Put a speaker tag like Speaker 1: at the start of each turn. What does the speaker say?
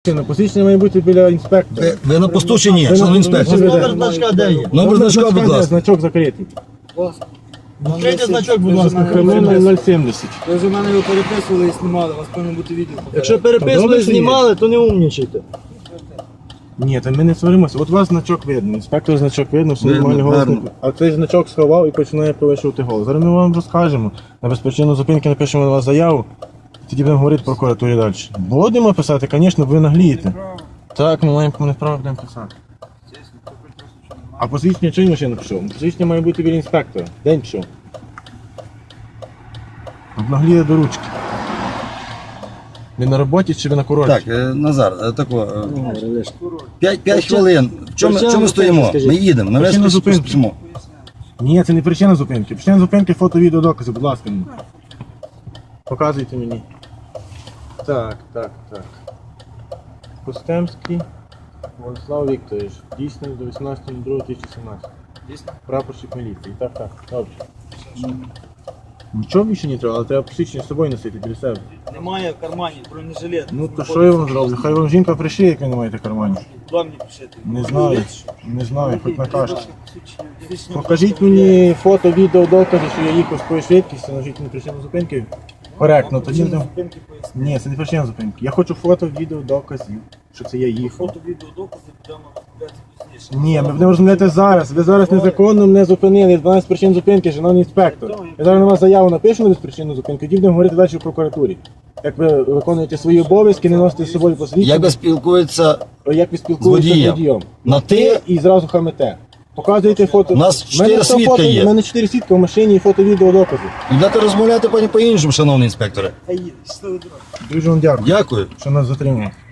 Speaker 1: На посвідчення має бути біля інспектора.
Speaker 2: Ви на посту чи ні, шановний інспектор?
Speaker 3: Номер значка де є?
Speaker 2: Номер значка, будь ласка.
Speaker 1: Значок закритий.
Speaker 3: Відкрийте значок, будь ласка.
Speaker 1: Кримінальний 070.
Speaker 4: Ви вже в мене його переписували і знімали, у вас повинно бути відео.
Speaker 3: Якщо переписували, знімали, то не умнічайте.
Speaker 1: Ні, та ми не сваримося. От у вас значок видно, інспектор значок видно, все
Speaker 2: Видно,
Speaker 1: нормальний голос.
Speaker 2: гарно.
Speaker 1: А цей значок сховав і починає повищувати голос. Зараз ми вам розкажемо. На безпричинну зупинки напишемо на вас заяву, тоді будемо говорити прокуратурі далі. Будемо писати, звісно, ви наглієте. Так, ми маємо повне право будемо писати. А посвідчення чий машина пішов? Посвідчення має бути біля інспектора. День пішов. Обнагліє до ручки. Ви на роботі чи ви на курорті?
Speaker 2: Так, Назар, тако. 5 хвилин. Чому ми стоїмо? Ми їдемо, на
Speaker 1: Причина
Speaker 2: весь
Speaker 1: зупинки.
Speaker 2: спустимо.
Speaker 1: Ні, це не причина зупинки. Причина зупинки фото-відео докази, будь ласка. Мені. Показуйте мені. Так. Костемський Владислав Вікторович. Дійсний до 18.02.2017.
Speaker 4: Дійсно?
Speaker 1: Прапорщик міліції. Так. Добре. Нічого більше не треба, але треба посвідчення з собою носити біля себе.
Speaker 4: Немає в кармані бронежилет.
Speaker 1: Ну то що я вам зроблю? Хай вам жінка пришиє, як ви не маєте в кармані.
Speaker 4: Куди мені пишете?
Speaker 1: Не знаю, хоч накажете. Покажіть мені фото, відео, докази, що я їхав з такою швидкістю, нажіть на причину зупинки. Коректно, тоді будемо. Ні, це не причина зупинки. Я хочу фото, відео, доказів, що це я їхав.
Speaker 4: Фото, відео, докази будемо розглядати пізніше.
Speaker 1: Ні, ми будемо розмовляти зараз. Ви зараз незаконно мене зупинили. 12 причин зупинки, шановний інспектор. Я зараз на вас заяву напишу на причину зупинки, тоді будемо говорити далі в прокуратурі. Як ви виконуєте свої обов'язки, не носите з собою посвідчення.
Speaker 2: Як ви спілкуєтеся
Speaker 1: Як ви спілкуєтеся з водієм.
Speaker 2: на ти?
Speaker 1: І зразу хамите. Показуєте фото.
Speaker 2: У нас
Speaker 1: В мене
Speaker 2: 4
Speaker 1: все
Speaker 2: свідка
Speaker 1: фото,
Speaker 2: є.
Speaker 1: У мене 4 свідка в машині і фото, відео, докази.
Speaker 2: Йдете розмовляти по-іншому, шановний інспекторе.
Speaker 4: Та їде, щасливо дорога.
Speaker 1: Дуже вам дякую,
Speaker 2: Дякую.
Speaker 1: що нас затримали.